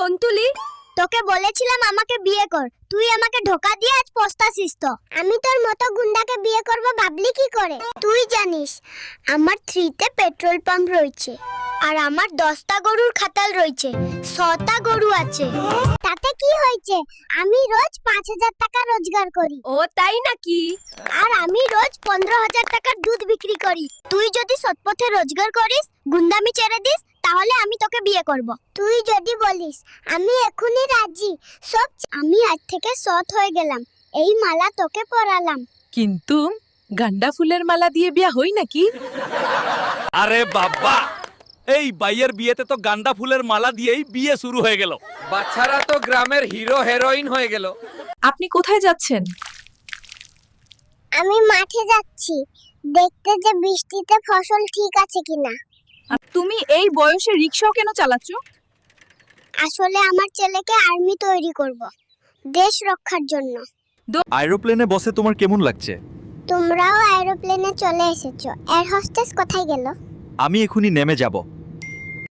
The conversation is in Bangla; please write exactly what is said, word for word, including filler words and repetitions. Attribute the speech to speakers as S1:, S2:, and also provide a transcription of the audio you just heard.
S1: তন্তুলি,
S2: তোকে বলেছিলাম আমাকে বিয়ে কর, তুই আমাকে ধোকা দিয়ে আজ পস্তাছিস তো। আমি তোর মতো গুন্ডাকে বিয়ে করব ভাবলি কি করে? তুই জানিস আমার থ্রিতে পেট্রোল পাম্প রয়েছে, আর আমার দশটা গরুর খাতাল রয়েছে, ছটা গরু আছে। তাতে কি হয়েছে? আমি রোজ পাঁচ হাজার টাকা রোজগার করি।
S1: ও তাই নাকি?
S2: আর আমি রোজ পনেরো হাজার টাকার দুধ বিক্রি করি। তুই যদি সৎপথে রোজগার করিস, গুন্ডামি ছেড়ে দিস, তাহলে আমি তোকে বিয়ে করব। তুই যদি বলিস আমি এখনই রাজি, সব আমি আজ থেকে সৎ হয়ে গেলাম, এই মালা তোকে পরালাম।
S3: কিন্তু গান্ডা ফুলের মালা দিয়ে বিয়া হই নাকি?
S4: আরে বাবা, এই বাইয়ের বিয়েতে তো গান্দা ফুলের মালা দিয়েই বিয়ে শুরু হয়ে গেল।
S5: বাচ্চারা তো গ্রামের হিরো হেরোইন হয়ে গেল।
S3: আপনি কোথায় যাচ্ছেন?
S2: আমি মাঠে যাচ্ছি, দেখতে যে বৃষ্টিতে ফসল ঠিক আছে কিনা।
S3: আর তুমি এই বয়সে রিকশাও কেন চালাচ্ছ?
S2: আসলে আমার ছেলেকে আর্মি তৈরি করব, দেশ রক্ষার জন্য।
S4: এরোপ্লেনে বসে তোমার কেমন লাগছে?
S2: তোমরাও এরোপ্লেনে চলে এসেছো, এয়ার হোস্টেস কোথায় গেল?
S4: আমি এখনই নেমে যাব।